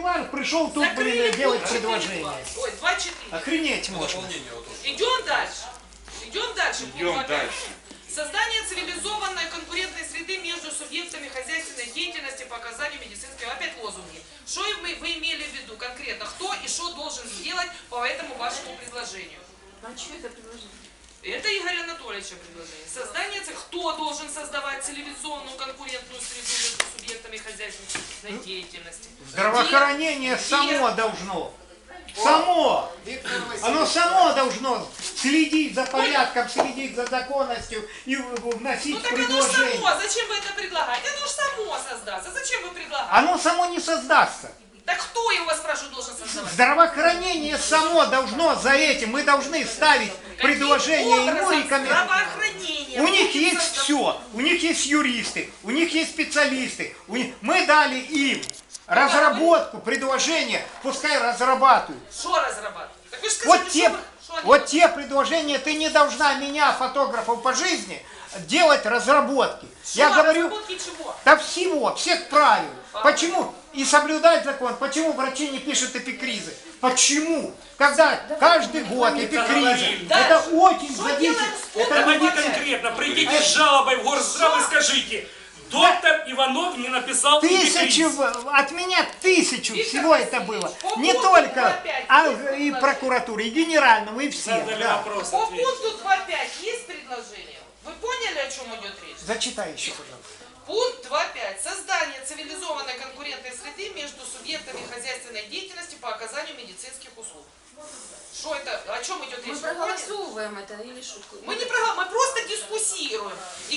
Столивар пришел тут, блин, делать предложение. Ой, 2.4. Охренеть можно. Идем дальше. Идем дальше. Идем дальше. Создание цивилизованной конкурентной среды между субъектами хозяйственной деятельности по оказанию медицинской... Опять лозунги. Что вы имели в виду конкретно? Кто и что должен сделать по этому вашему предложению? А что это предложение? Это Игоря Анатольевича предложение. Создание... Кто должен создавать цивилизованную конкурентную среду между субъектами хозяйственной деятельности? Здравоохранение само должно. Само! Оно само должно следить за порядком, следить за законностью и вносить Ну так предложения. оно само, зачем вы это предлагаете? Оно же само создастся. Зачем вы предлагаете? Оно само не создастся. Так кто его, спрашиваю, должен создавать? Здравоохранение само должно за этим. Мы должны ставить предложения ему рекомендовать. Здравоохранение. У них есть все. У них есть юристы, у них есть специалисты. Мы дали им разработку, предложения, пускай разрабатывают. Что разрабатывать? Так вы же скажите, Вот те предложения, ты не должна меня, фотографов по жизни, делать разработки. Я говорю, чего? да всех правил. Почему? И соблюдать закон. Почему врачи не пишут эпикризы? Почему? Когда каждый год эпикризы, это очень зависит. Давайте конкретно, придите с жалобой в Горздрав и скажите, доктор Иванов не написал эпикриз. От меня 1000 всего это было. Не только, а и прокуратуре, и генеральному, и всем. Да. По пункту 2.5 есть предложение? Вы поняли, о чем идет речь? Зачитай еще, пожалуйста. Пункт 2.5. Создание цивилизованной конкурентной среды между субъектами хозяйственной деятельности по оказанию медицинских услуг. Что это? О чем идет речь? Мы проголосовываем это или шутку? Мы не проголосуем, мы просто дискуссируем.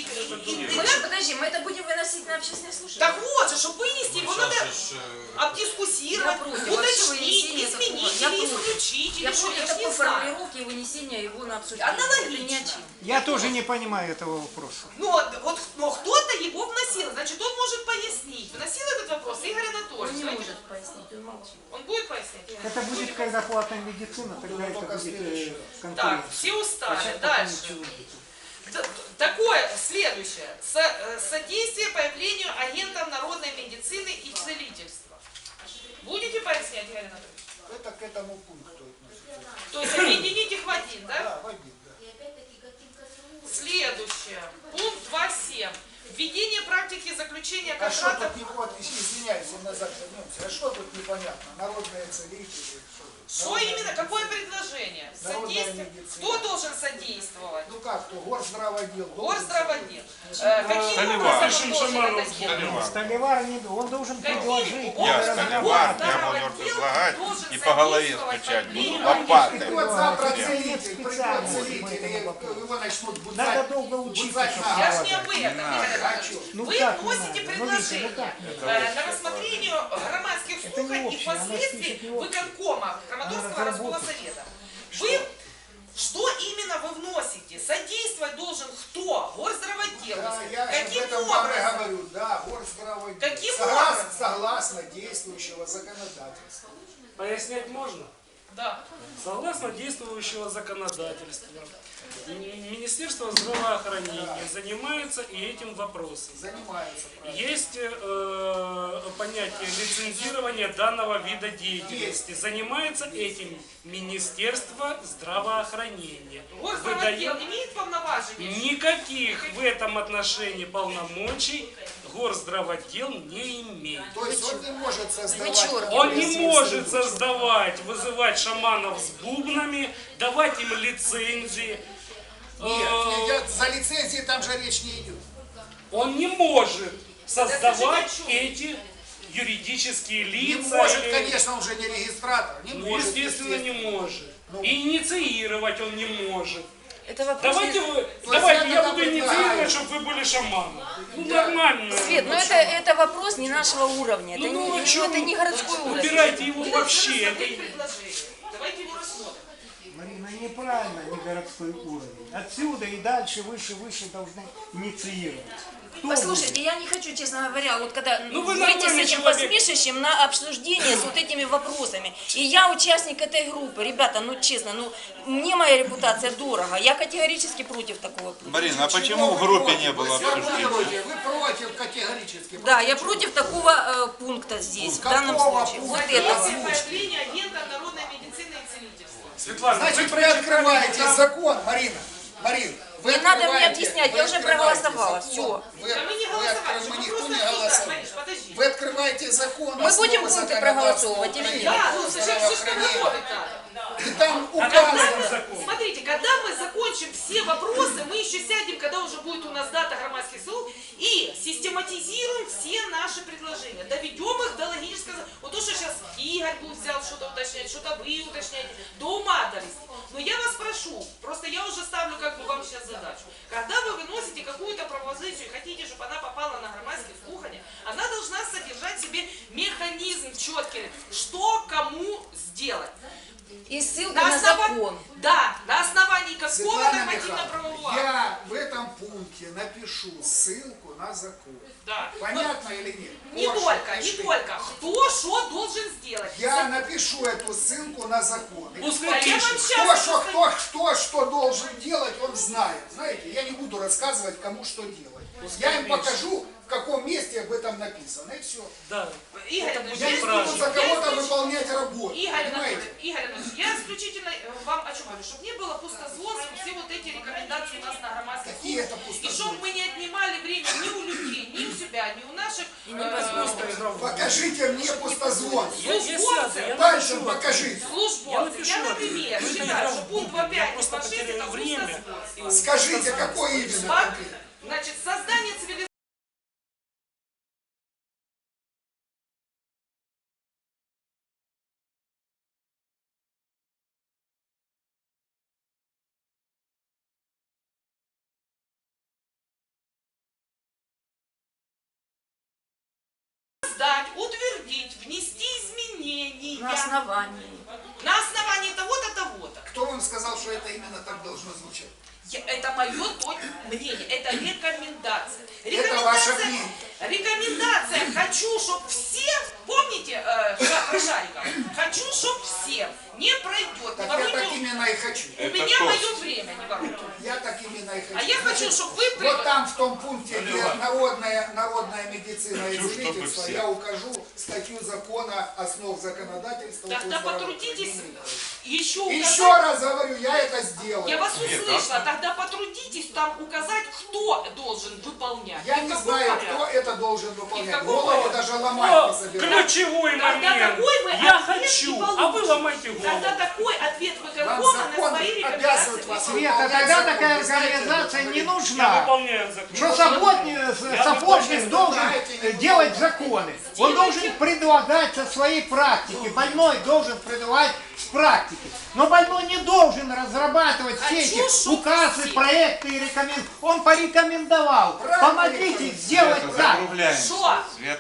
Подожди, мы это будем выносить на общественное слушание? Так вот же, чтобы вынести, его надо обдискуссировать, уточнить, изменить или исключить. Я Или что, против я ж не такой знаю. формулировки и вынесения его на обсуждение. Аналогично. Я тоже не понимаю этого вопроса. Но кто-то его вносил, значит он может пояснить. Вносил этот вопрос Игорь Он Анатольевич. не Давайте- может пояснить, он молчит. Он будет пояснять? Это будет, когда платная медицина, тогда это будет Так, конкуренция. все устали. Сейчас пока Дальше. ничего нет. Такое, следующее. Содействие появлению агентов народной медицины и целительства. Будете пояснять, Игорь Анатольевич? Это к этому пункту относится. То есть объединить их в один, да? Да, в один, да. Следующее. Пункт 2.7. Введение практики заключения А что контрактов. тут не вот, извиняюсь, я назад вернемся. А что тут непонятно? Народные целители, что тут? Что именно? Какое предложение? Народная Содействие. медицина. Кто должен содействовать? Ну как, кто? Горздравотдел. Горздравотдел. Каким Столивар. образом он должен это делать? Столивар не он должен предложить. Я разработать. Столивар, прямо мертв излагать и по голове стучать буду лопатой. Вот завтра Нет. целитель, придет Специально целитель, мы это и не попробуем. его начнут Надо будзать. долго учиться, будзать чтобы на Я ж голову. не об этом, Игорь Анатольевич. Ну Вы как не вносите надо? Ну, Витя, предложение ну как не на рассмотрение громадских Это не слуханий и общее, оно впоследствии спишет не общее. выконкома Краматорского Она городского разработает. совета. Вы что именно вы вносите? Содействовать должен кто? Горздравотдел. Да, я же об Каким этом образом? говорю, да, горздравотдел. Каким Согласно, образом? согласно действующего законодательства. Пояснять можно? Да. Согласно действующего законодательства, Министерство здравоохранения занимается и этим вопросом. Занимается, правильно. Есть понятие лицензирования данного вида деятельности. Занимается этим Министерство здравоохранения. Горздравотдел имеет полноважения? Никаких в этом отношении полномочий Горздравотдел не имеет. То есть он не может создавать... Вычеркиваем. Он не может создавать, вызывать шаманов с бубнами, давать им лицензии. Нет, за лицензии там же речь не идет. Он не может создавать Это же эти юридические Не лица. может, или- конечно, он же не регистратор. Не Ну, может, естественно, не может. Ну. И инициировать он не может. Это вопрос... Давайте, есть я это буду предлагаю. инициировать, чтобы вы были шаманом. Ну, нормально. Свет, но это вопрос не нашего уровня. Это, Ну, не, а чё это вы не городской уровень. Убирайте его Мы вообще. должны Это- рассмотреть предложение. Давайте его рассмотрим. Марина, неправильно, не городской уровень. Отсюда и дальше, выше должны инициировать. Послушайте, я не хочу, честно говоря, вот когда Ну, вы выйти с нормальный этим человек. посмешищем на обсуждение с вот этими вопросами. И я участник этой группы. Ребята, ну честно, ну мне моя репутация дорого. Я категорически против такого пункта. Марина, а почему в группе не было обсуждения? Вы против категорически. Да, я против такого пункта здесь, в данном Какого случае. Вот пункта? этого. Если появление агента народной медицины и целительства. Светлана, Значит, вы открываете закон, Марина. Марин, вы Не надо мне открываете- объяснять, вы я уже открываете проголосовала, закон. всё. Вы, Да мы не вы голосовали, откры- мы никто просто не обсуждаем. голосовал. Мариш, подожди. Вы открываете закон. Мы будем основы пункты законодательства проголосовывать или Украины, нет? Да, ну зачем что здравоохранения. готовить надо? И там Когда указано. мы, смотрите, когда мы закончим все вопросы, мы еще сядем, когда уже будет у нас дата громадских слов, и систематизируем все наши предложения, доведем их до логического. Вот то, что сейчас Игорь будет взял что-то уточнять, что-то вы уточняете, до ума довести. Но я вас прошу, просто я уже ставлю как бы вам сейчас задачу. Когда вы выносите какую-то пропозицию и хотите, чтобы она попала на громадские слухания, она должна содержать в себе механизм четкий, что кому сделать. И ссылка на закон. Да, на основании какого Светлана нормативно-правового Михайловна, акта. я в этом пункте напишу ссылку на закон. Да. Понятно или нет? Не Очень только, не пиши. только. Кто что должен сделать? Я напишу эту ссылку на закон. И Пускай А я вам пишет. сейчас кто что должен делать, он знает. Знаете, я не буду рассказывать, кому что делать. Я им покажу, в каком месте об этом написано, и все. Да. Игорь Это Анатольевич, Я не я правильно. буду за кого-то выполнять работу. Игорь Понимаете? Анатольевич, я исключительно вам о чем говорю, чтобы не было пустозвонства, все вот эти рекомендации у нас на громадских Какие это слухах. И пустозвонства? чтобы мы не отнимали время ни у людей, ни у себя, ни у наших Покажите мне пустозвонство. Я сяду, я Пальцем напишу. покажите. службовцев. Я, напишу например, это. Вы считаю, это что пункт я 2.5 просто и 2.6 потеряю это время. пустозвонство. Скажите, какое именно конкретно? Значит, создание цивилизации. Утвердить, внести изменения На основании. на основании того-то, того-то. Кто вам сказал, что это именно так должно звучать? Это мое мнение, это рекомендация. Это ваше мнение. Рекомендация. Хочу, чтобы все, помните про шариков? Хочу, чтобы все. Не пройдет, не Так я так воруйте. именно и хочу. У Это меня тост. мое время, не воруйте. Я так именно и хочу. А я хочу, чтобы вы Вот там в том пункте, где народная медицина и Хочу, чтобы целительство, все. я укажу статью закона основ законодательства. Тогда по потрудитесь здравоохранению. еще Еще указать. раз говорю, я это сделаю. Я вас услышала, тогда потрудитесь там указать, кто должен выполнять. Я И в не каком знаю, порядке. кто это должен выполнять. каком Голову порядке? даже ломать О, не собираюсь. ключевой Тогда момент. такой вы Я ответ хочу, не а вы получите. ломайте Тогда голову. такой ответ Вам выконкома на закон свои обязывает рекомендации. вас Света, выполнять тогда закон. такая Вы знаете, организация об не этом? Я нужна. выполняю закон. Что сапожник должен делать законы. Он должен предлагать со своей практики. Больной должен предлагать с практики. Но больной не должен разрабатывать все эти Хочу, чтоб указы, все. проекты и рекомендации. Он порекомендовал. Правильно Помогите рекомендовал. сделать так. Закругляемся. Что? Света.